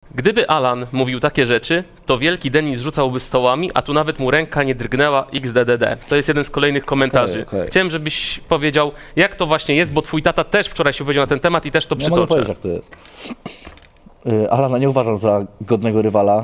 Gdyby Alan mówił takie rzeczy, to wielki Denis rzucałby stołami, a tu nawet mu ręka nie drgnęła XDDD. To jest jeden z kolejnych komentarzy. Okej. Chciałem, żebyś powiedział, jak to właśnie jest, bo twój tata też wczoraj się powiedział na ten temat i też to Ja mogę przytoczę. powiedzieć, jak to jest. Alana nie uważam za godnego rywala,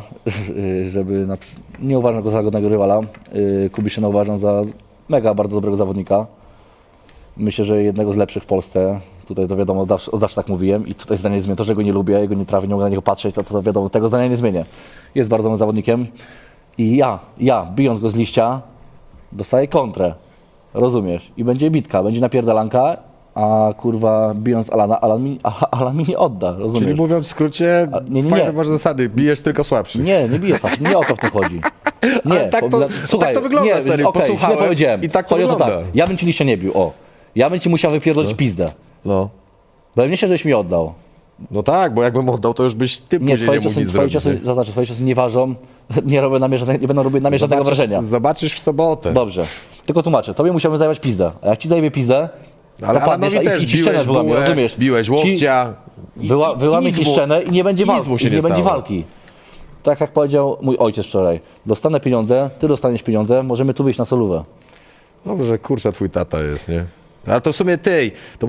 nie uważam go za godnego rywala. Kubiszyna uważam za mega bardzo dobrego zawodnika. Myślę, że jednego z lepszych w Polsce. Tutaj to wiadomo, od zawsze tak mówiłem i tutaj zdanie nie zmienię. To, że go nie lubię, jego nie trafię, nie mogę na niego patrzeć, to wiadomo, tego zdania nie zmienię. Jest bardzo dobrym zawodnikiem i ja, bijąc go z liścia, dostaję kontrę. Rozumiesz? I będzie bitka, będzie napierdalanka, a kurwa, bijąc Alana, Alan mi nie odda, rozumiesz? Czyli mówiąc w skrócie, nie. fajne masz zasady, bijesz tylko słabszy. Nie biję sam, nie o to w tym chodzi. Nie, Ale tak to wygląda, stary, okej, posłuchałem źle powiedziałem. i tak to Chodzi o wygląda. ja bym ci liścia nie bił, Ja bym ci musiał wypierdolić pizdę. No. Bo ja nie się, żeś mi oddał. No tak, bo jakbym oddał, to już byś ty Nie, później nie mógł nic zrobić. twoje ciosy nie ważą, nie będą robić na mnie żadnego wrażenia. Zobaczysz w sobotę. Dobrze, tylko tłumaczę, tobie musiałbym zajmować pizdę, a jak ci zajmie pizdę, Ale to padniesz, Alanowi a też i ci szczenę biłeś wyłamie, bułę, rozumiesz? biłeś łokcia. Wyłamie nic ci mu- szczenę i nie będzie nic walki. mu się nie Nie będzie stało. walki. Tak jak powiedział mój ojciec wczoraj, dostanę pieniądze, ty dostaniesz pieniądze, możemy tu wyjść na solówę. Dobrze, kurczę, twój tata jest, nie? Ale to w sumie ty, to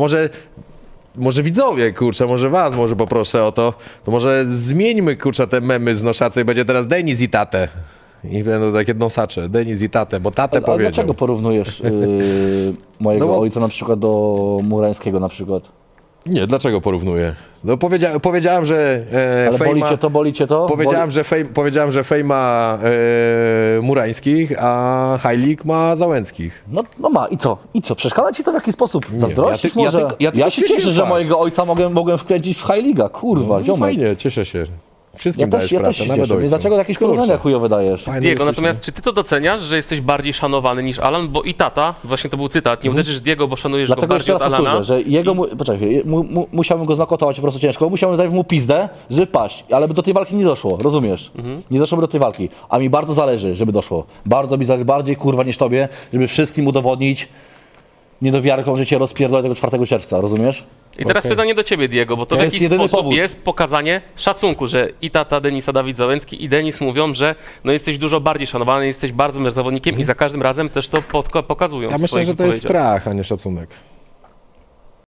może widzowie, kurczę, może was może poproszę o to, to może zmieńmy, kurczę, te memy z noszace i będzie teraz Denis i tatę. I będą takie nosacze, Denis i tatę, bo tatę Ale powiedział. dlaczego porównujesz mojego No bo- ojca na przykład do Murańskiego na przykład? Nie, dlaczego porównuję? No powiedziałem, że Ale boli cię to? Powiedziałem, że Fej ma Murańskich, a Hajlik ma Załęckich. No ma, i co? Przeszkadza ci to w jakiś sposób? Zazdrościsz ja może? tylko- ja tylko się cieszę, stwierdziłem że fakt. mojego ojca mogłem wkręcić w High Liga, kurwa, No ziomek. fajnie, cieszę się. Wszystkim Ja dajesz też pracę, się nawet cieszę, więc ojcu. dlaczego jakieś Kurczę, porównania chujowe dajesz? fajny Diego, jesteś, natomiast nie? czy ty to doceniasz, że jesteś bardziej szanowany niż Alan? Bo i tata, właśnie to był cytat, nie uderzysz Diego, bo szanujesz go Dlatego jeszcze bardziej raz od Alana. powtórzę, że jego, poczekaj, musiałbym go znokautować po prostu ciężko, musiałbym dać mu pizdę, żeby paść, ale by do tej walki nie doszło, rozumiesz? Nie doszłoby do tej walki, a mi bardzo zależy, żeby doszło. Bardzo mi zależy, bardziej kurwa niż tobie, żeby wszystkim udowodnić niedowiarką, że cię rozpierdolę tego 4 czerwca, rozumiesz? I teraz pytanie do ciebie, Diego, bo to To w jest jakiś jedyny sposób powód. jest pokazanie szacunku, że i tata Denisa Dawid Załęcki i Denis mówią, że no jesteś dużo bardziej szanowany, jesteś bardzo zawodnikiem i za każdym razem też to pokazują. Ja w myślę, swoich że to jest wypowiedziach. strach, a nie szacunek.